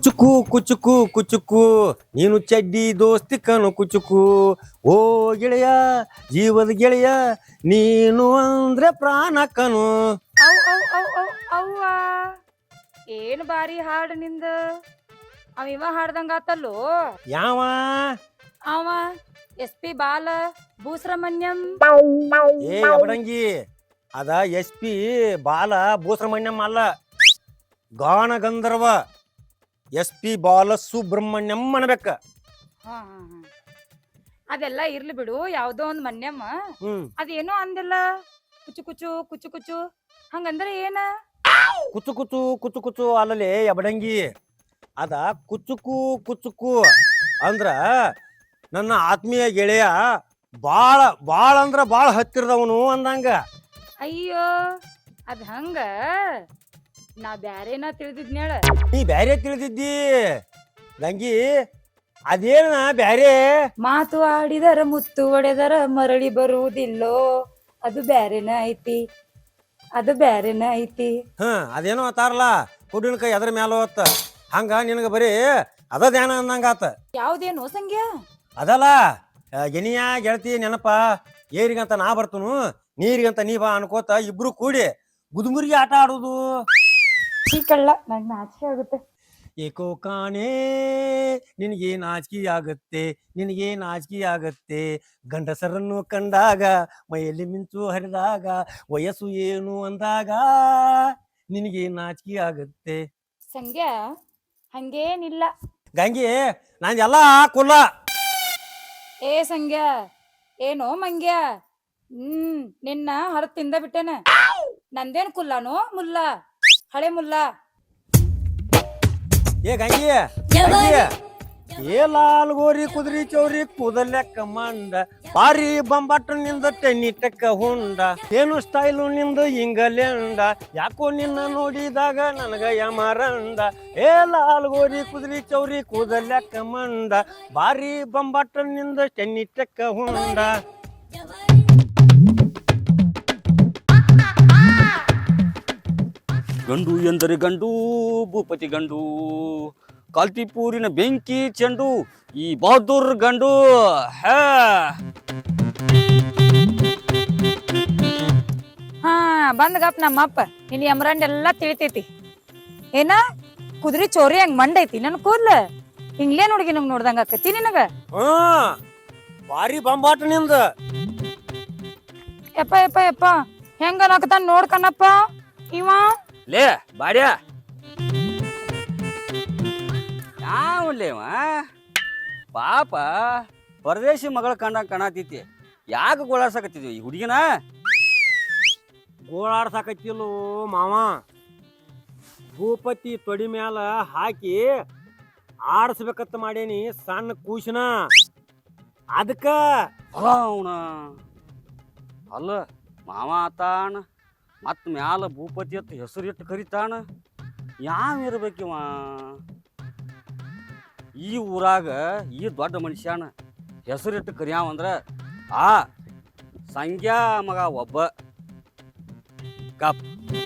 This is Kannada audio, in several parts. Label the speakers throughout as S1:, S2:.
S1: ಕುಚುಕು ಕುಚುಕು ಕುಚುಕು ನೀನು ಚಡ್ಡಿ ದೋಸ್ತಿ ಕನು ಕುಚುಕು ಓ ಗೆಳೆಯ ಜೀವದ ಗೆಳೆಯ ನೀನು ಅಂದ್ರೆ ಪ್ರಾಣ ಕನು.
S2: ಅವ್ ಅವ್ ಅವ್ ಅವ್ ಅವ್ವ ಏನು ಬಾರಿ ಹಾಡು ನಿಂದ. ಇವ ಹಾಡ್ದಂಗ ಆತಲ್ಲೋ.
S1: ಯಾವ
S2: ಅವ SP ಬಾಲ ಭೂಸ್ರಮಣ್ಯಂ.
S1: ಏ ಅಬಡಂಗಿ ಅದ SP ಬಾಲ ಭೂಸ್ರಮಣ್ಯಂ ಅಲ್ಲ, ಗಾನ ಗಂಧರ್ವ SP ಬಾಲ ಸುಬ್ರಹ್ಮಣ್ಯಂ ಅನ್ಬೇಕ.
S2: ಹಾ ಹಾ ಹಾ ಅದೆಲ್ಲ ಇರ್ಲಿ ಬಿಡು, ಯಾವ್ದೋ ಒಂದ್ ಮನ್ಯಮ್ಮ ಅದೇನೋ ಅಂದಿಲ್ಲ, ಕುಚು ಕುಚು ಕುಚು ಕುಚು ಹಂಗಂದ್ರೆ ಏನ?
S1: ಕುಚು ಕುಚು ಕುಚು ಕುಚು ಅಲ್ಲಲೇ ಅಬಡಂಗಿ, ಅದ ಕುಚುಕು ಕುಚುಕು ಅಂದ್ರ ನನ್ನ ಆತ್ಮೀಯ ಗೆಳೆಯ ಬಾಳ ಬಾಳ ಅಂದ್ರ ಬಾಳ ಹತ್ತಿರದವನು ಅಂದಂಗ.
S2: ಅಯ್ಯೋ ಅದ್ ಹಂಗ, ನಾ ಬ್ಯಾರೇನ ತಿಳಿದಿದ್ನೇಳ.
S1: ನೀ ಬ್ಯಾರೆ ತಿಳಿದಿದ್ದಿ ಗಂಗಿ, ಅದೇನ ಬ್ಯಾರೆ.
S2: ಮಾತು ಆಡಿದರ ಮುತ್ತು ಒಡೆದರ ಮರಳಿ ಬರುವುದಿಲ್ಲೋ, ಅದು ಬ್ಯಾರೇನ ಐತಿ, ಅದು ಬ್ಯಾರೇನ ಐತಿ.
S1: ಅದೇನೋ ಅತ್ತಾರಲ್ಲ, ಕುಡಿನ ಕೈ ಅದ್ರ ಮ್ಯಾಲ ಹೊತ್ತ ಹಂಗ ನಿನಗ ಬರೀ ಅದ ಧ್ಯಾನ ಅಂದಂಗಾತ.
S2: ಯಾವ್ದೇನು ಸಂಖ್ಯ
S1: ಅದಲ್ಲ ಗೆನಿಯ ಗೆಳತಿ ನೆನಪ, ಏರಿಗಂತ ನಾ ಬರ್ತನು ನೀರಿಗಂತ ನೀ ಬಾ ಅನ್ಕೋತ ಇಬ್ರು ಕೂಡಿ ಗುದುಮುರಿಗೆ ಆಟ ಆಡುದು.
S2: ಕಳ್ಳ, ನಂಗೆ ನಾಚಿಕೆ ಆಗುತ್ತೆ.
S1: ಏಕೋ ಕಾಣೆ ನಿನಗೆ ನಾಚಿಕೆ ಆಗುತ್ತೆ, ನಿನಗೆ ನಾಚಿಕೆ ಆಗುತ್ತೆ, ಗಂಡಸರನ್ನು ಕಂಡಾಗ ಮೈಯಲ್ಲಿ ಮಿಂಚು ಹರಿದಾಗ ವಯಸ್ಸು ಏನು ಅಂದಾಗ ನಿನಗೆ ನಾಚಿಕೆ ಆಗುತ್ತೆ.
S2: ಸಂಖ್ಯಾ ಹಂಗೇನಿಲ್ಲ
S1: ಗಂಗಿ, ನಂದೆಲ್ಲ ಕುಲ್ಲ.
S2: ಏ ಸಂಖ್ಯಾ ಏನೋ ಮಂಗ್ಯ, ನಿನ್ನ ಹೊರ ತಿಂದ ಬಿಟ್ಟೆನ. ನಂದೇನ್ ಕುಲ್ಲಾನೋ ಮುಲ್ಲ, ಹಳೆ ಮುಲ್ಲ.
S1: ಏ ಗಂಗಿ, ಏ ಲಾಲ್ ಗೋರಿ ಕುದುರಿ ಚೌರಿ ಕೂದಲೆಕ್ಕ ಮಂಡ, ಬಾರಿ ಬಂಬಾಟ ನಿಂದ ಟೆನ್ನಿಟಕ್ಕ ಹುಂಡ, ಏನು ಸ್ಟೈಲು ನಿಂದ ಇಂಗಲೆಂಡ, ಯಾಕೋ ನಿನ್ನ ನೋಡಿದಾಗ ನನಗ ಯಮರಂಡ. ಏ ಲಾಲ್ ಗೋರಿ ಕುದುರಿ ಚೌರಿ ಕೂದಲೆಕ್ಕ ಮಂಡ, ಬಾರಿ ಬಂಬಾಟ ನಿಂದ ಟೆನ್ನಿಟಕ್ಕ ಹುಂಡ.
S3: ಗಂಡು ಎಂದರೆ ಗಂಡು, ಭೂಪತಿ ಗಂಡು, ಕಾಲ್ತಿಪೂರಿನ ಬೆಂಕಿ ಚೆಂಡು, ಈ ಬಹದ್ದೂರ್ ಗಂಡು.
S2: ಹಾ ಬಂದ್ಗಪ್ಪ ನಮ್ಮಪ್ಪ, ನಿನ್ ಯಮರಂಡ್ ಎಲ್ಲಾ ತಿಳಿತೈತಿ. ಏನ ಕುದುರಿ ಚೋರಿ ಹಂಗ ಮಂಡೈತಿ ನನ್ ಕೂದ್ಲ, ಹಿಂಗ್ಲೇ ಹುಡುಗಿ ನಮ್ಗೆ ನೋಡ್ದಂಗ ಆಕತಿ ನಿನಗ.
S1: ಬಾರಿ ಬಂಬಾಟ ನಿಂದ.
S2: ಯಪ್ಪ ಯಪ್ಪ ಯಪ್ಪ ಹೆಂಗ ನಾಕತಾನ ನೋಡ್ಕನಪ್ಪ ಇವ.
S3: ಲೇ ಬಾಡ್ಯಾ, ಯಾವಲ್ಲೇವ ಪಾಪ ಪರದೇಶಿ ಮಗಳ ಕಂಡಂಗ ಕಾಣತೈತಿ. ಯಾಕೆ ಗೋಳಾಡ್ಸಕತ್ತಿದ್ವಿ ಈ ಹುಡುಗಿನ?
S1: ಗೋಳಾಡ್ಸಾಕತ್ತಿಲ್ಲೋ ಮಾವ, ಭೂಪತಿ ತೊಡಿ ಮ್ಯಾಲ ಹಾಕಿ ಆಡಿಸ್ಬೇಕತ್ತ ಮಾಡೇನಿ ಸಣ್ಣ ಕೂಸಿನ, ಅದಕ್ಕ.
S3: ಅವನ ಅಲ್ಲ ಮಾವ ಆತಾನ, ಮತ್ ಮ್ಯಾಲ ಭೂಪತಿ ಅಂತ ಹೆಸರು ಇಟ್ಟು ಕರಿತಾನ. ಯಾವ ಇರ್ಬೇಕಿವ ಈ ಊರಾಗ? ಈ ದೊಡ್ಡ ಮನುಷ್ಯನ ಹೆಸರಿಟ್ಟು ಕರಿಯಾವಂದ್ರ ಆ ಸಂಖ್ಯಾ ಮಗ ಒಬ್ಬ. ಕಪ್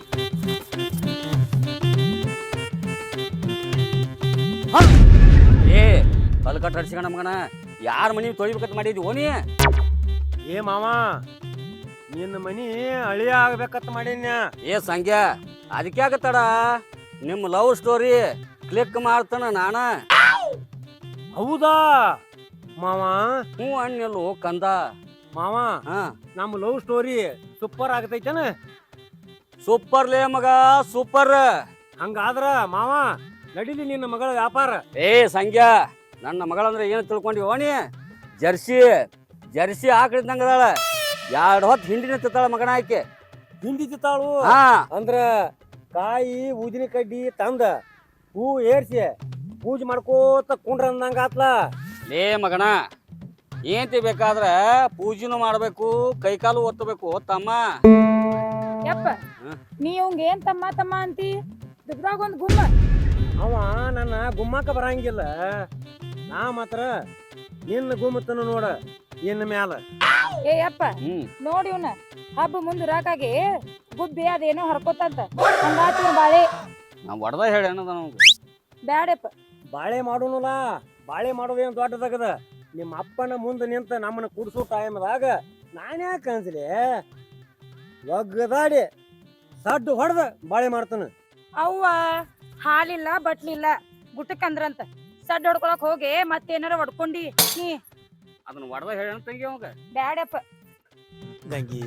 S3: ಏ ಕಲ್ಕಟ್ಟ ಹಡ್ಸಿಕಣ ಮಗನ, ಯಾರ ಮನಿ ತೊಳಿಬೇಕಂತ ಮಾಡಿದ್ವಿ ಓನಿ?
S1: ಏ ಮಾವ, ನಿನ್ನ ಮನಿ ಅಳಿಯ ಆಗ್ಬೇಕತ್ತ ಮಾಡೀನಿ.
S3: ಏ ಸಂಖ್ಯಾ, ಅದಕ್ಕೆ ಆಗತ್ತಡ ನಿಮ್ಮ ಲವ್ ಸ್ಟೋರಿ ಕ್ಲಿಕ್ ಮಾಡ್ತಾನ ನಾನ.
S1: ಹೌದಾ ಮಾವ?
S3: ಹ್ಞೂ ಅಣ್ಣೆಲ್ಲೋ ಕಂದ
S1: ಮಾವ, ನಮ್ಮ ಲವ್ ಸ್ಟೋರಿ ಸೂಪರ್ ಆಗತೈತೇನ?
S3: ಸೂಪರ್ ಲೇ ಮಗ, ಸೂಪರ್.
S1: ಹಂಗಾದ್ರ ಮಾವ ನಡೀಲಿ ನಿನ್ನ ಮಗಳ ವ್ಯಾಪಾರ.
S3: ಏ ಸಂಖ್ಯಾ, ನನ್ನ ಮಗಳಂದ್ರೆ ಏನು ತಿಳ್ಕೊಂಡಿ ಓಣಿ? ಜರ್ಸಿ ಜರ್ಸಿ ಆಕಳಿದ್ದಂಗದಾಳ, 2 ಹೊತ್ತು ಹಿಂಡಿನ ತಿತ್ತಾಳ ಮಗನ ಆಕೆ.
S1: ಹಿಂಡಿ ತಿತ್ತಾಳು ಅಂದ್ರ ಕಾಯಿ ಊದಿನ ಕಡ್ಡಿ ತಂದ ಹೂ ಏರ್ಸಿ ಪೂಜೆ ಮಾಡ್ಕೋತ ಕುಂಡ್ರ ಅಂದಂಗ ಆತ್ಲ.
S3: ಲೇ ಮಗನ, ಏಂತಿ ಬೇಕಾದ್ರ ಪೂಜೆನೂ ಮಾಡ್ಬೇಕು, ಕೈಕಾಲು ಒತ್ತಬೇಕು ತಮ್ಮ.
S2: ಯಪ್ಪ ನೀ ಅವಂಗ ಏನ್ ತಮ್ಮ ತಮ್ಮ ಅಂತಿ? ದುಗ್ದಾಗ ಒಂದ್ ಗುಮ್ಮ.
S1: ಅವ ನನ್ನ ಗುಮ್ಮಕ್ಕ ಬರಂಗಿಲ್ಲ, ನಾ ಮಾತ್ರ ನಿನ್ನ ಗುಮ್ಮತನ ನೋಡ ಇನ್ನ ಮ್ಯಾಲ.
S2: ಏ ಯಪ್ಪ ನೋಡಿ ಇವ್ನ, ಹಬ್ಬ ಮುಂದ್ ರಾಕಾಗಿ ಗುಬ್ಬಿ ಅದೇನೋ ಹರ್ಕೋತಂತ ಹಂಗಾತ ಬಾಳೆ.
S3: ನಾ ಹೊಡೆದ ಹೇಳಿ ಅನ್ನೋದ ನಮ್ಗೆ.
S2: ಬ್ಯಾಡಪ್ಪ
S1: ಬಾಳೆ ಮಾಡೋಣಲ್ಲ, ಬಾಳೆ ಮಾಡೋದೇನು ದೊಡ್ಡದಾಗದ. ನಿಮ್ಮ ಅಪ್ಪನ ಮುಂದೆ ನಿಂತ ನಮ್ಮನ್ನ ಕುಡಿಸೋ ಟೈಮ್ದಾಗ ನಾನ್ಯಾಕೆ ಅನ್ಸಲಿ ಒಗ್ಗದಾಡಿ ಸಡ್ಡು ಹೊಡೆದ ಬಾಳೆ ಮಾಡ್ತಾನ.
S2: ಅವ್ವ ಹಾಲಿಲ್ಲ ಬಟ್ಲಿಲ್ಲ ಗುಟ್ಟಕ್ಕಂದ್ರಂತ ಸಡ್ ಹೊಡ್ಕೊಳಕ್ ಹೋಗಿ ಮತ್ತೇನಾರ ಹೊಡ್ಕೊಂಡಿ ನೀ
S3: ಅದನ್ನ ಹೊಡೆದ ಹೇಳ ತಂಗಿ ಅವಾಗ.
S2: ಬ್ಯಾಡಪ್ಪ.
S1: ಗಂಗಿ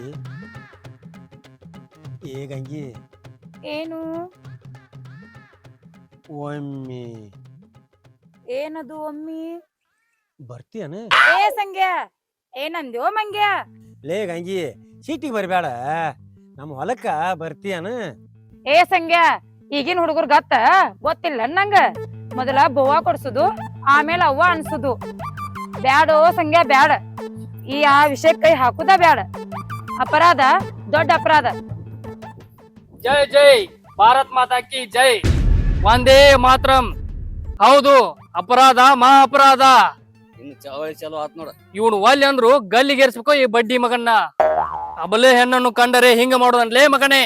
S1: ಏ ಗಂಗಿ,
S2: ಏನು
S1: ಒಮ್ಮೆ
S2: ಏನದು ಒಮ್ಮಿ?
S1: ಬರ್ತೀಯನ?
S2: ಏ ಸಂಗ್ಯ ಏನಂದ್ಯೋ ಮಂಗ್ಯ?
S1: ಲೇ ಗಂಗಿ, ಸೀಟಿಗೆ ಬರಬೇಡ, ನಮ್ಮ ಹೊಲಕ್ಕ ಬರ್ತೀಯನ?
S2: ಏ ಸಂಗ್ಯ, ಈಗಿನ ಹುಡುಗರ್ ಗೊತ್ತಿಲ್ಲ ನಂಗ. ಮೊದಲ ಬೋವಾ ಕೊಡ್ಸುದು, ಆಮೇಲೆ ಅವ್ವ ಅನ್ಸುದು. ಬ್ಯಾಡೋ ಸಂಗ್ಯ ಬ್ಯಾಡ, ಆ ವಿಷಯ ಕೈ ಹಾಕುದ ಬ್ಯಾಡ. ಅಪರಾಧ ದೊಡ್ಡ ಅಪರಾಧ.
S4: ಜೈ ಜೈ ಭಾರತ್ ಮಾತಾ ಕಿ ಜೈ, ವಂದೇ ಮಾತರಂ. ಹೌದು, ಅಪರಾಧ ಮಹಾ ಅಪರಾಧ.
S3: ಇನ್ನು ಚಳವಳಿ ಚಲೋ ಆತ್ ನೋಡ.
S4: ಇವನು ಒಲ್ಲೆ ಅಂದ್ರು ಗಲ್ಲಿಗೇರ್ಸ್ಬೇಕು ಈ ಬಡ್ಡಿ ಮಗನ್ನ. ಅಬಲೆ ಹೆಣ್ಣನ್ನು ಕಂಡರೆ ಹಿಂಗ ಮಾಡೋದನ್ಲೇ ಮಗನೇ,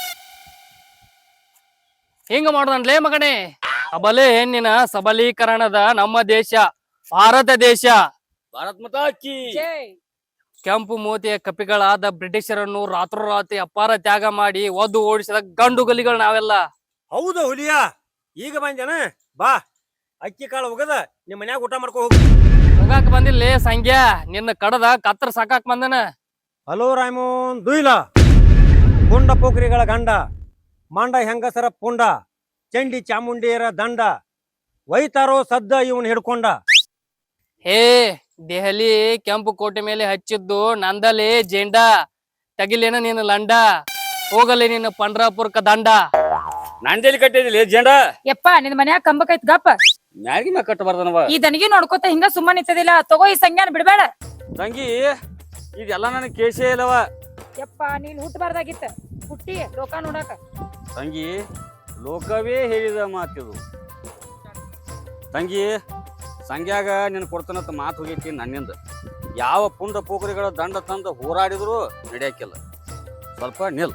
S4: ಹಿಂಗ ಮಾಡೋದನ್ಲೇ ಮಗನೇ. ಅಬಲೆ ಹೆಣ್ಣಿನ ಸಬಲೀಕರಣದ ನಮ್ಮ ದೇಶ ಭಾರತ ದೇಶ.
S3: ಭಾರತ್ ಮಾತಾ ಕಿ
S4: ಕೆಂಪು ಮೋತಿಯ ಕಪಿಗಳಾದ ಬ್ರಿಟಿಷರನ್ನು ರಾತ್ರೋರಾತ್ರಿ ಅಪಾರ ತ್ಯಾಗ ಮಾಡಿ ಒದ್ದು ಓಡಿಸಿದ ಗಂಡು ಗಲಿಗಳು ನಾವೆಲ್ಲ.
S1: ಹೌದು ಹುಲಿಯ, ಈಗ ಬಂದೇನ? ಬಾ, ಅಕ್ಕಿ ಕಾಳು ಹೋಗದ ನಿಮ್ಮ ಮನ್ಯಾಗ ಊಟ ಮಾಡ್ಕೊ ಹೋಗು.
S4: ಹೋಗಾಕ ಬಂದಿಲ್ಲ ಸಂಖ್ಯಾ, ನಿನ್ನ ಕಡದ ಕತ್ರ ಸಾಕಾಕ್ ಬಂದನ.
S1: ಹಲೋ ರಾಮೋನ್ ದುಯ್ಲ, ಗುಂಡ ಪೋಖ್ರಿಗಳ ಗಂಡ, ಮಾಂಡ ಹೆಂಗಸರ ಪುಂಡ, ಚಂಡಿ ಚಾಮುಂಡಿಯರ ದಂಡ, ಒಯ್ತಾರೋ ಸದ್ದ ಇವನ್ ಹಿಡ್ಕೊಂಡ.
S4: ಹೇ ದೆಹಲಿ ಕೆಂಪು ಕೋಟೆ ಮೇಲೆ ಹಚ್ಚಿದ್ದು ನಂದಲೇ ಜೆಂಡಾ, ತಗಿಲೇನ ನಿನ್ನ ಲಂಡ, ಹೋಗಲಿ ನಿನ್ನ ಪಂಡ್ರಾಪುರ್ಕ ದಂಡ.
S3: ನಂದೇಲಿ ಕಟ್ಟಿದಿಲ್ಲ ಜೆಂಡ.
S2: ಯಪ್ಪ ನಿನ್ ಮನ್ಯಾಗ ಕಂಬಕೈತ್ ಗಪ್ಪ.
S3: ಮ್ಯಾಗಿ ಮ್ಯಾಗ ಕಟ್ಟಬಾರ್ದನವ.
S2: ಈ ದನಿಗೆ ನೋಡ್ಕೊತ ಹಿಂಗ ಸುಮ್ಮನೆ ನಿಂತದಿಲ್ಲ. ತಗೋ ಈ ಸಂಜ್ಞಾನ ಬಿಡ್ಬೇಡ.
S3: ತಂಗಿ ಇದೆಲ್ಲ ನನಗೆ ಕೇಸೇ ಇಲ್ಲವ.
S2: ಯಪ್ಪ ನೀನ್ ಹುಟ್ಟಬಾರ್ದಾಗಿತ್ತ, ಹುಟ್ಟಿ ಲೋಕ ನೋಡಾಕ.
S3: ತಂಗಿ ಲೋಕವೇ ಹೇಳಿದ ಮಾತಿದು. ತಂಗಿ ಸಂಗ್ಯಾಗ ನಿನ್ ಕೊಡ್ತಾನಂತ ಮಾತು ಹೋಗೈತಿ ನನ್ನಿಂದ. ಯಾವ ಪುಂಡ ಪೋಖರಿಗಳ ದಂಡ ತಂದು ಹೋರಾಡಿದ್ರು ನಡೆಯಕ್ಕಿಲ್ಲ. ಸ್ವಲ್ಪ ನಿಲ್.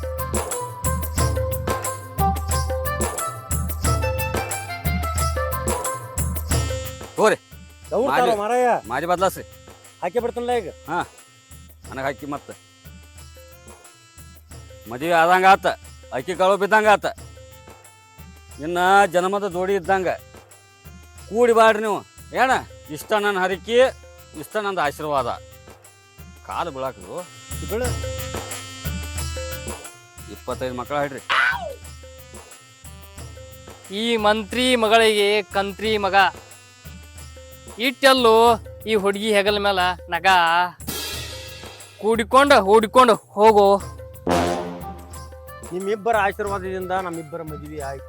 S3: ಹೋರಿ
S1: ಮಾರಾಯ
S3: ಮಾರಿ ಬದ್ಲಾಸ್ರಿ.
S1: ಹಾಕಿ ಬಿಡ್ತಾನಲ್ಲ ಈಗ.
S3: ನನಗೆ ಹಾಕಿ ಮತ್ತೆ ಮದುವೆ ಆದಂಗ ಆತ, ಅಕ್ಕಿ ಕಾಳು ಬಿದ್ದಂಗ ಆತ. ಇನ್ನ ಜನ್ಮದ ಜೋಡಿ ಇದ್ದಂಗ ಕೂಡಿ ಬಾಡ್ರಿ ನೀವು. ಏನ ಇಷ್ಟ ನನ್ನ ಹರಿಕೆ, ಇಷ್ಟ ನಂದು ಆಶೀರ್ವಾದ. ಕಾಲು ಬೀಳಾಕದು
S1: ಬಿಡು.
S3: 25 ಮಕ್ಕಳ ಹೇಳ್ರಿ.
S4: ಈ ಮಂತ್ರಿ ಮಗಳಿಗೆ ಕಂತ್ರಿ ಮಗ, ಇಟ್ಟೆಲ್ಲೂ ಈ ಹುಡುಗಿ ಹೆಗಲ ಮೇಲ ನಗ ಕೂಡಿಕೊಂಡು ಹೂಡಿಕೊಂಡು ಹೋಗು.
S1: ನಿಮ್ಮಿಬ್ಬರ ಆಶೀರ್ವಾದದಿಂದ ನಮ್ಮಿಬ್ಬರ ಮದುವೆ ಆಯ್ತು.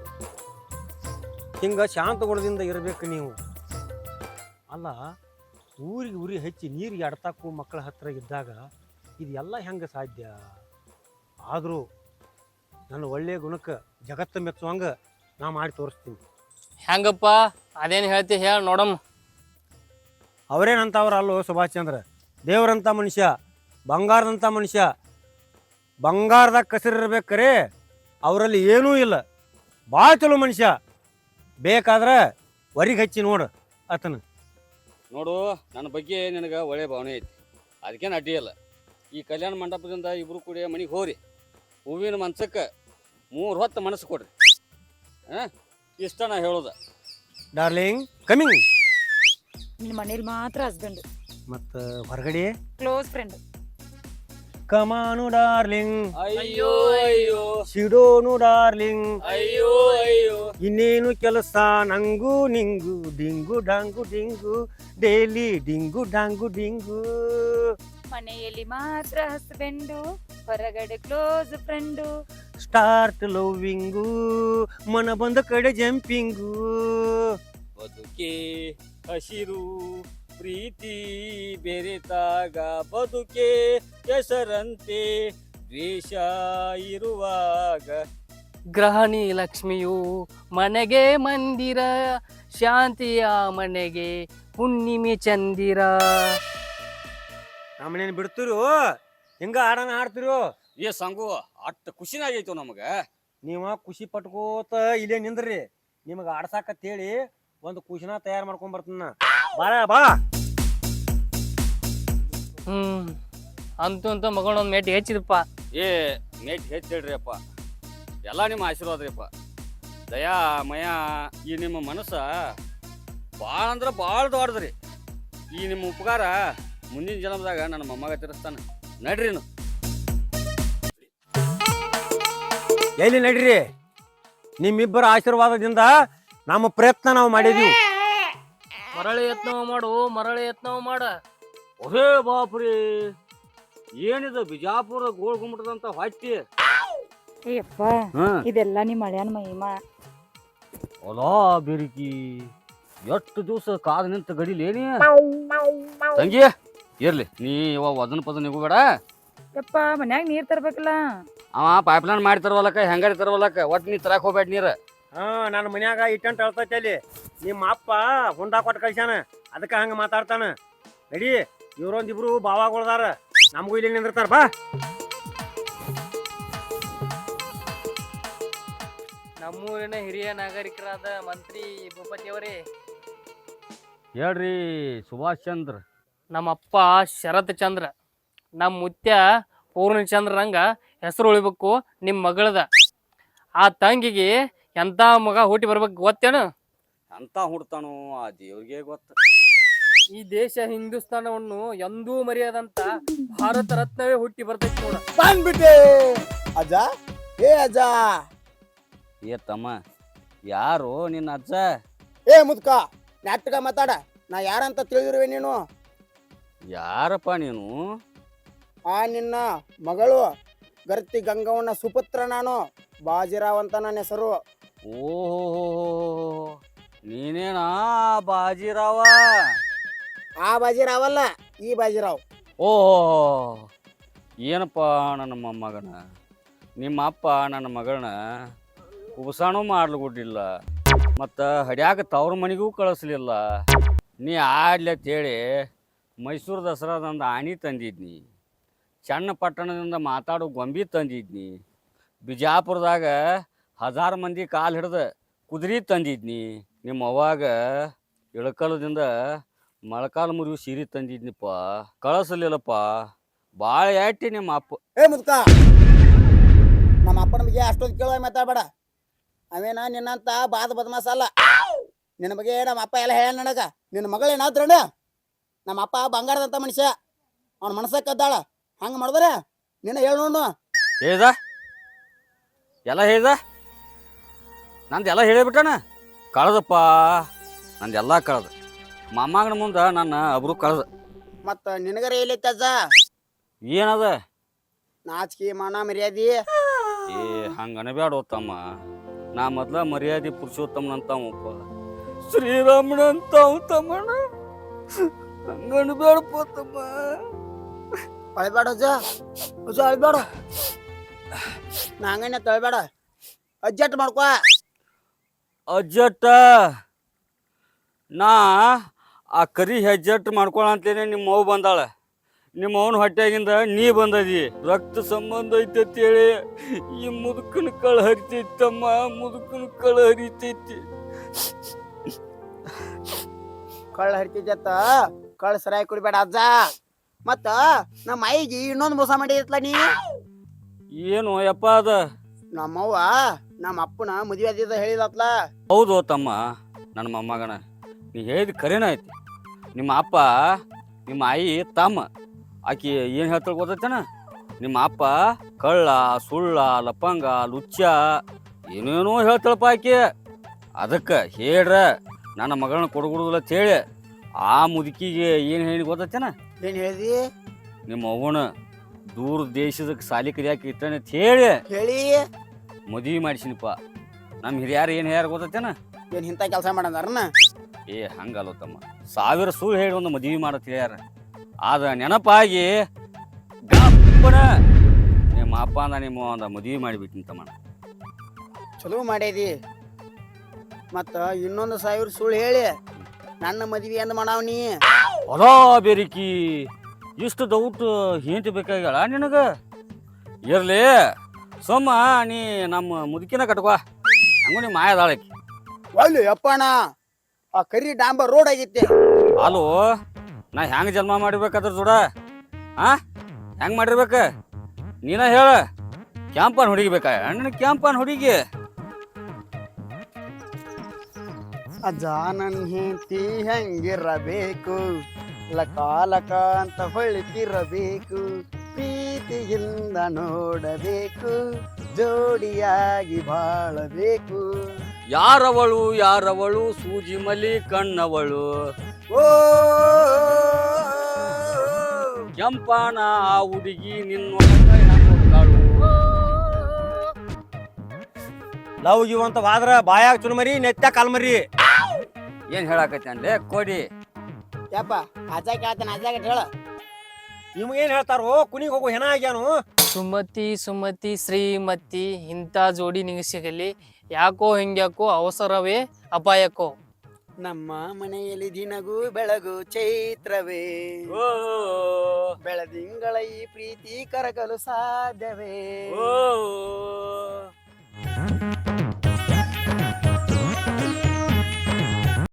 S1: ಹಿಂಗ ಶಾಂತಗೊಳದಿಂದ ಇರಬೇಕು ನೀವು. ಅಲ್ಲ, ಊರಿಗೆ ಉರಿ ಹಚ್ಚಿ ನೀರಿಗೆ ಅಡ್ತಾಕು ಮಕ್ಕಳ ಹತ್ರ ಇದ್ದಾಗ ಇದೆಲ್ಲ ಹೆಂಗೆ ಸಾಧ್ಯ? ಆದರೂ ನನ್ನ ಒಳ್ಳೆಯ ಗುಣಕ್ಕೆ ಜಗತ್ತು ಮೆಚ್ಚುವಂಗ ನಾ ಮಾಡಿ ತೋರಿಸ್ತೀನಿ.
S4: ಹೆಂಗಪ್ಪ ಅದೇನು ಹೇಳ್ತಿ ಹೇಳ ನೋಡಮ್.
S1: ಅವರೇನಂತವ್ರ ಅಲ್ಲೋ ಸುಭಾಷ್ ಚಂದ್ರ, ದೇವರಂಥ ಮನುಷ್ಯ, ಬಂಗಾರದಂಥ ಮನುಷ್ಯ. ಬಂಗಾರದಾಗ ಕಸಿರಿರ್ಬೇಕಾರೆ ಅವರಲ್ಲಿ ಏನೂ ಇಲ್ಲ. ಭಾಳ ಚಲೋ ಮನುಷ್ಯ. ಬೇಕಾದ್ರೆ ಹೊರಿಗೆ ಹಚ್ಚಿ ನೋಡು ಆತನ.
S3: ನೋಡು, ನನ್ನ ಬಗ್ಗೆ ನಿನಗೆ ಒಳ್ಳೆ ಭಾವನೆ ಐತಿ, ಅದಕ್ಕೇನು ಅಡ್ಡಿ ಇಲ್ಲ. ಈ ಕಲ್ಯಾಣ ಮಂಟಪದಿಂದ ಇಬ್ರು ಕೂಡಿ ಮನೆಗೆ ಹೋರಿ. ಹೂವಿನ ಮನ್ಸಕ್ಕೆ 3 ಹೊತ್ತು ಮನಸ್ಸು ಕೊಡ್ರಿ. ಇಷ್ಟ ನಾ ಹೇಳೋದ.
S1: Darling coming.
S2: ನಿನ್ ಮನೇಲಿ ಮಾತ್ರ ಹಸ್ಬೆಂಡ್,
S1: ಮತ್ತು ಹೊರಗಡೆ
S2: ಕ್ಲೋಸ್ ಫ್ರೆಂಡ್.
S1: ಕಮಾನು ಡಾರ್ಲಿಂಗ್,
S3: ಅಯ್ಯೋ ಅಯ್ಯೋ,
S1: ಸಿಡೋನು ಡಾರ್ಲಿಂಗ್,
S3: ಅಯ್ಯೋ ಅಯ್ಯೋ,
S1: ಇನ್ನೇನು ಕೆಲಸ ನಂಗು ನಿಂಗು, ಡಿಂಗು ಡಾಂಗು ಡಿಂಗು, ಡೈಲಿ ಡಿಂಗು ಡಾಂಗು ಡಿಂಗು.
S2: ಮನೆಯಲ್ಲಿ ಮಾತ್ರ ಹಸ್ಬೆಂಡು, ಹೊರಗಡೆ ಕ್ಲೋಸ್ ಫ್ರೆಂಡು.
S1: ಸ್ಟಾರ್ಟ್ ಲವ್ವಿಂಗು, ಮನ ಬಂದ ಕಡೆ ಜಂಪಿಂಗು.
S3: ಬದುಕೆ ಹಸಿರು ಪ್ರೀತಿ ಬೆರೆತಾಗ ಬದುಕೆ ಹೆಸರಂತೆ ದ್ವೇಷ ಇರುವಾಗ.
S4: ಗ್ರಹಣಿ ಲಕ್ಷ್ಮಿಯು ಮನೆಗೆ ಮಂದಿರ, ಶಾಂತಿಯ ಮನೆಗೆ ಹುಣ್ಣಿಮೆ ಚಂದಿರ.
S1: ನಮ್ಮನೇನು ಬಿಡ್ತಿರು ಹಿಂಗ ಆಡನ ಆಡ್ತಿರು.
S3: ಏ ಸಂಗು, ಅಷ್ಟು ಖುಷಿನಾಗೈತು ನಮಗ.
S1: ನೀವ ಖುಷಿ ಪಟ್ಕೋತ ಇಲ್ಲೇ ನಿಂದ್ರಿ. ನಿಮಗೆ ಆಡ್ಸಾಕತ್ತೇಳಿ ಒಂದು ಕುಶನ ತಯಾರು ಮಾಡ್ಕೊಂಡ್ ಬರ್ತೀನಿ ಬಾಳ ಬಾ.
S4: ಅಂತೂ ಅಂತ ಮಗನ ಒಂದ್ ಮೇಟಿ ಹೆಚ್ಚಿದಪ್ಪ.
S3: ಏ ಮೇಟ್ ಹೆಚ್ಚಿಡ್ರಿ ಅಪ್ಪ, ಎಲ್ಲ ನಿಮ್ಮ ಆಶೀರ್ವಾದ ರೀ ಅಪ್ಪ. ದಯಾ ಮಯ ಈ ನಿಮ್ಮ ಮನಸ್ಸ ಭಾಳ ಅಂದ್ರೆ ಭಾಳ ದೊಡ್ಡದ್ರಿ. ಈ ನಿಮ್ಮ ಉಪಕಾರ ಮುಂದಿನ ಜನ್ಮದಾಗ ನನ್ನ ಮೊಮ್ಮಗ ತಿರ್ಸ್ತಾನ. ನಡ್ರಿ ನೀವು.
S1: ಎಲ್ಲಿ ನಡ್ರಿ, ನಿಮ್ಮಿಬ್ಬರ ಆಶೀರ್ವಾದದಿಂದ ನಮ್ಮ ಪ್ರಯತ್ನ ನಾವು ಮಾಡಿದೀವಿ.
S4: ಮರಳಿ ಯತ್ನವ ಮಾಡು, ಮರಳಿ ಯತ್ನವ ಮಾಡ.
S3: ಒರೇ ಬಾಪ್ರಿ, ಏನಿದು ಬಿಜಾಪುರ ಗೋಳ್ ಗುಮ್ಮಟದಂತ ಹೊಟ್ಟಿ.
S2: ಅಯ್ಯಪ್ಪ ಇದೆಲ್ಲ ನಿಮ್ಮ ಹಳ್ಯಾನ ಮಹಿಮಾ.
S3: ಹೊಲಾ ಬೆರಿಕಿ ಎಷ್ಟು ದಿವಸ ಕಾದು ನಿಂತ ಗಡಿಲೇನಿ ತಂಗಿ. ಇರ್ಲಿ ನೀ ಇವಾಗ ಅದನ್ನ ಪದ ನಿಗೋಬೇಡ.
S2: ಯಪ್ಪ ಮನ್ಯಾಗ ನೀರ್ ತರ್ಬೇಕಲ್ಲ.
S3: ಅವ ಪೈಪ್ಲೈನ್ ಮಾಡಿ ತರ್ವಲಕ್ಕ, ಹೆಂಗಾರಿ ತರ್ವಲಕ್ಕ, ಒಟ್ಟು ನೀ ತರಕ್ ಹೋಗ್ಬೇಡ ನೀರು.
S1: ನನ್ನ ಮನ್ಯಾಗ ಇಟ್ಟಂತ ಹೇಳ್ತೈತಿ ಅಲ್ಲಿ. ನಿಮ್ಮ ಅಪ್ಪ ಹುಂಡಾ ಕೊಟ್ಟು ಕಳ್ಸ್ಯಾನ, ಅದಕ್ಕೆ ಹಂಗ ಮಾತಾಡ್ತಾನ. ನಡಿ, ಇವ್ರೊಂದಿಬ್ರು ಬಾವಾಗೊಳ್ದಾರ, ನಮಗೂ ಇಲ್ಲಿ ನಿಂದಿರ್ತಾರ ಬಾ.
S4: ನಮ್ಮೂರಿನ ಹಿರಿಯ ನಾಗರಿಕರಾದ ಮಂತ್ರಿ ಭೂಪತಿ ಅವರೇ,
S3: ಹೇಳ್ರಿ ಸುಭಾಷ್ ಚಂದ್ರ.
S4: ನಮ್ಮಪ್ಪ ಶರತ್ ಚಂದ್ರ, ನಮ್ಮ ಮುತ್ಯ ಪೂರ್ಣಚಂದ್ರಂಗ ಹೆಸರು ಉಳಿಬೇಕು ನಿಮ್ಮ ಮಗಳದ. ಆ ತಂಗಿಗೆ ಎಂತ ಮಗ ಹುಟ್ಟಿ ಬರ್ಬೇಕು ಗೊತ್ತೇನು?
S3: ಅಂತ ಹುಡ್ತಾನು ಆ ದೇವ್ರಿಗೆ ಗೊತ್ತ.
S4: ಈ ದೇಶ ಹಿಂದೂಸ್ತಾನವನ್ನು ಎಂದೂ ಮರೆಯದಂತ ಭಾರತ ರತ್ನವೇ ಹುಟ್ಟಿ ಬರ್ತೈತಿ ನೋಡ.
S5: ಬಂದ್ಬಿಟ್ಟೆ ಅಜ್ಜ. ಏ ಅಜ್ಜ.
S3: ಏ ತಮ್ಮ, ಯಾರು ನಿನ್ನ ಅಜ್ಜ?
S5: ಏ ಮುದ್ಕ, ನಾಟಕ ಮಾತಾಡ. ನಾ ಯಾರಂತ ತಿಳಿದಿರುವೆ ನೀನು?
S3: ಯಾರಪ್ಪ ನೀನು?
S5: ಆ ನಿನ್ನ ಮಗಳು ಗರ್ತಿ ಗಂಗವ್ವನ ಸುಪುತ್ರ ನಾನು. ಬಾಜಿರಾವ್ ಅಂತ ನನ್ನ ಹೆಸರು.
S3: ಓಹೋ, ನೀನೇನಾ ಬಾಜಿರಾವ?
S5: ಆ ಬಾಜಿರಾವ್ ಅಲ್ಲ, ಈ ಬಾಜಿರಾವ್.
S3: ಓಹೋ, ಏನಪ್ಪ ನನ್ನ ಮೊಮ್ಮಗನ, ನಿಮ್ಮ ಅಪ್ಪ ನನ್ನ ಮಗಳನ್ನ ಕುಬಸಾಣೂ ಮಾಡ್ಲಿಲ್ಲ, ಮತ್ತು ಹಡ್ಯಾಕ ತವ್ರ ಮನೆಗೂ ಕಳಿಸ್ಲಿಲ್ಲ. ನೀ ಆಡ್ಲಿ ಅಂತೇಳಿ ಮೈಸೂರು ದಸರಾದಂದ ಆಣಿ ತಂದಿದ್ನಿ, ಚನ್ನಪಟ್ಟಣದಿಂದ ಮಾತಾಡೋ ಗೊಂಬಿ ತಂದಿದ್ನಿ, ಬಿಜಾಪುರದಾಗ 1000 ಮಂದಿ ಕಾಲು ಹಿಡ್ದು ಕುದುರೆ ತಂದಿದ್ನಿ, ನಿಮ್ಮ ಅವ್ವಾಗ ಇಳಕಲದಿಂದ ಮೊಳಕಾಲು ಮುರಿವು ಸೀರೆ ತಂದಿದ್ನಿಪ್ಪ, ಕಳಿಸ್ಲಿಲ್ಲಪ್ಪ. ಭಾಳ ಯಾಟಿ ನಿಮ್ಮ ಅಪ್ಪ.
S5: ಏ ಮುದ್ಕ, ನಮ್ಮ ಅಪ್ಪನ ಬಗ್ಗೆ ಅಷ್ಟೊಂದು ಕೇಳುವ ಮಾತಾಡಬೇಡ. ಅವೇನ ನಿನ್ನಂತ ಬಾದ ಬದಮಾಸ ಅಲ್ಲ. ನಿನ್ನ ಬಗ್ಗೆ ನಮ್ಮ ಅಪ್ಪ ಎಲ್ಲ ಹೇಳ ನನಗ. ನಿನ್ನ ಮಗಳು ಏನಾದ್ರಣ್ಣ, ನಮ್ಮ ಅಪ್ಪ ಬಂಗಾರದಂತ ಮನುಷ್ಯ, ಅವನ ಮನಸ್ಸ ಕದ್ದಾಳ. ಹಂಗ ಮಾಡಿದ್ರೆ ನಿನ್ನ ಹೇಳ ನೋಡು.
S3: ಹೇಳ್ದ ಎಲ್ಲ ಹೇಳ್ದ, ನಂದೆಲ್ಲ ಹೇಳಿಬಿಟ್ಟಣ. ಕಳ್ದಪ್ಪ, ನಂದೆಲ್ಲ ಕಳ್ದ. ಮೊಮ್ಮಗನ ಮುಂದೆ ನನ್ನ ಅಬ್ರು ಕಳ್ದ.
S5: ಮತ್ತ ನಿನಗರ ಎಲ್ಲೈತಿ ಅಜ್ಜ?
S3: ಏನದ?
S5: ನಾಚಿಕೆ ಮಾನ ಮರ್ಯಾದಿ.
S3: ಏ ಹಂಗ ಅನಬ್ಯಾಡ ತಮ್ಮ. ನಾ ಮೊದ್ಲ ಮರ್ಯಾದೆ ಪುರುಷೋತ್ತಮನಂತಾವಪ್ಪ, ಶ್ರೀರಾಮನಂತಾವ ತಮ್ಮಣ್ಣ. ಹಂಗ ಅನಬ್ಯಾಡಪ್ಪ ತಮ್ಮ.
S5: ಅಳ್ಬೇಡ ಅಜ್ಜ, ಅಜ್ಜ ಅಳ್ಬೇಡ. ನಾ ಹಂಗನೆ ತಳ್ಬೇಡ, ಅಜ್ಜಟ್ ಮಾಡ್ಕೊ.
S3: ಅಜ್ಜಟ್ಟ ನಾ ಆ ಕರಿ ಹೆಜ್ಜಟ್ ಮಾಡ್ಕೊಳಂತೇನೆ ನಿಮ್ಮ ಅವ್ವ ಬಂದಾಳ. ನಿಮ್ಮ ಅವನ ಹೊಟ್ಟೆಗಿಂದ ನೀ ಬಂದದಿ. ರಕ್ತ ಸಂಬಂಧ ಐತಂತೇಳಿ ಈ ಮುದುಕನ ಕಳ ಹರಿತೈತಮ್ಮ, ಮುದುಕನ ಕಳ ಹರಿತೈತಿ.
S5: ಕಳ್ಳ ಹರಿತಿದ್ದ ಕಳ್ಳ ಸರಿಯಾಗಿ ಕುಡಿಬೇಡ ಅಜ್ಜ. ಮತ್ತ ನಮ್ಮ ಐಗಿ ಇನ್ನೊಂದು ಮೋಸ ಮಾಡಿದ್ಲ ನೀ.
S3: ಏನು ಯಪ್ಪ ಅದ?
S5: ನಮ್ಮವ್ವ ನಮ್ಮ ಅಪ್ಪನ ಮದುವೆ ಆದಿದ್ದ ಹೇಳಿದತ್ಲ.
S3: ಹೌದು ತಮ್ಮ, ನನ್ನ ಮೊಮ್ಮಗನ ನೀ ಹೇಳಿದ ಕರೆನ ಐತಿ. ನಿಮ್ಮ ಅಪ್ಪ ನಿಮ್ಮ ಆಯಿ ತಮ್ಮ. ಆಕಿ ಏನು ಹೇಳ್ತಾಳೆ ಗೊತ್ತೈತೇನ? ನಿಮ್ಮ ಅಪ್ಪ ಕಳ್ಳ, ಸುಳ್ಳ, ಲಪಂಗ, ಲುಚ್ಚ ಏನೇನೋ ಹೇಳ್ತಾಳಪ್ಪ ಆಕಿ. ಅದಕ್ಕೆ ಹೇಳ್ರ ನನ್ನ ಮಗಳನ್ನ ಕೊಡಗುಡುದಿಲ್ಲ ಅಂತ ಹೇಳಿ ಆ ಮುದುಕಿಗೆ ಏನು ಹೇಳಿ ಗೊತ್ತೈತೇನ?
S5: ಏನ್ ಹೇಳಿದಿ?
S3: ನಿಮ್ಮ ಅವ್ವನ ದೂರ ದೇಶದ ಸಾಲಿ ಕಲಿಯಾಕೆ ಇರ್ತಾನೆ ಅಂತ ಹೇಳಿ
S5: ಹೇಳಿ
S3: ಮದುವೆ ಮಾಡಿಸಿನಪ್ಪ. ನಮ್ಮ ಹಿರಿಯಾರು ಏನು ಹೇಳ್ಯಾರ ಗೊತ್ತೈತೇನ?
S5: ಏನ್ ಇಂಥ ಕೆಲಸ ಮಾಡಂದಾರನ?
S3: ಏ ಹಂಗಲ್ಲ ತಮ್ಮ, 1000 ಸುಳ್ಳು ಹೇಳಿ ಒಂದು ಮದುವೆ ಮಾಡತ್ ಹೇಳ್ಯಾರ. ಆದ ನೆನಪಾಗಿ ಗಪ್ಪನ ನಿಮ್ಮ ಅಪ್ಪ ಅಂದ ನಿಮ್ಮ ಒಂದು ಮದುವೆ ಮಾಡಿಬಿಟ್ಟಿನ ತಮ್ಮ.
S5: ಚಲೋ ಮಾಡೇದಿ. ಮತ್ತ ಇನ್ನೊಂದು 1000 ಸುಳ್ಳು ಹೇಳಿ ನನ್ನ ಮದ್ವಿ ಎಂದ ಮಾಡಾವ್ನಿ.
S3: ಹೊಲಾ ಬೆರಿಕಿ, ಇಷ್ಟು ದೌಟ್ ಹೇಂತಿ ಬೇಕಾಗ್ಯಾಳ ನಿನಗ? ಇರ್ಲಿ ಸೋಮ, ನೀ ನಮ್ಮ ಮುದುಕಿನ ಕಟ್ಕೋ. ಹಂಗೂ ನಿಮ್ಮ ಮಾಯದಾಳಕಿ.
S5: ಒಳ್ಳೆ ಅಪ್ಪಣ ಆ ಕರಿ ಡಾಂಬರ್ ರೋಡ್ ಆಗೈತಿ.
S3: ಅಲೋ ನಾ ಹೆಂಗ್ ಜನ್ಮ ಮಾಡಿರ್ಬೇಕಾದ್ರ ಜೋಡ ಆ ಹೆಂಗ್ ಮಾಡಿರ್ಬೇಕ ನೀನ ಹೇಳ. ಕ್ಯಾಂಪನ್ ಹುಡುಗಿ ಬೇಕಾ ಅಣ್ಣನ ಕ್ಯಾಂಪನ್ ಹುಡುಗಿ?
S5: ಅಜ್ಜ ನನ್ ಹೆಂಡತಿ ಹೆಂಗಿರಬೇಕು, ಲಕ ಲಕ ಅಂತ ಹೊಳಿತಿರಬೇಕು, ಪ್ರೀತಿಯಿಂದ ನೋಡಬೇಕು, ಜೋಡಿಯಾಗಿ ಬಾಳಬೇಕು.
S3: ಯಾರವಳು ಸೂಜಿ ಮಲಿ ಕಣ್ಣವಳು,
S5: ಓ
S3: ಕೆಂಪನ ಆ ಹುಡುಗಿ ನಿನ್ನೊಳಗ ಹೆಂಗೊಕ್ಕಾಳು?
S1: ಲವ್ ಗಿವ್ ಅಂತ ವಾದ್ರ ಬಾಯಾಗ ಚುರುಮರಿ ನೆತ್ತ ಕಾಲ್ಮರಿ.
S3: ಏನ್ ಹೇಳಾಕತ್ತಿ ಅನ್ಲೇ ಕೋಡಿ?
S5: ಯಪ್ಪ ಅಜ್ಜಾಕ ಆತನ ಅಜ್ಜಾಗ ಹೇಳ.
S1: ನಿಮ್ಗೇನ್ ಹೇಳ್ತಾರೋ ಕುನಿಗ್ ಹೋಗೋ ಹೆಣ ಆಗ್ಯಾನು.
S4: ಸುಮತಿ ಸುಮತಿ ಶ್ರೀಮತಿ ಇಂಥ ಜೋಡಿ ನಿಂಗೆ ಸಿಗಲಿ, ಯಾಕೋ ಹಿಂಗ್ಯಾಕೋ ಅವಸರವೇ ಅಪಾಯಕ್ಕೋ.
S5: ನಮ್ಮ ಮನೆಯಲ್ಲಿ ದಿನಗೂ ಬೆಳಗು ಚೈತ್ರವೇ, ಬೆಳದಿಂಗಳ ಈ ಪ್ರೀತಿ ಕರಗಲು ಸಾಧ್ಯವೇ?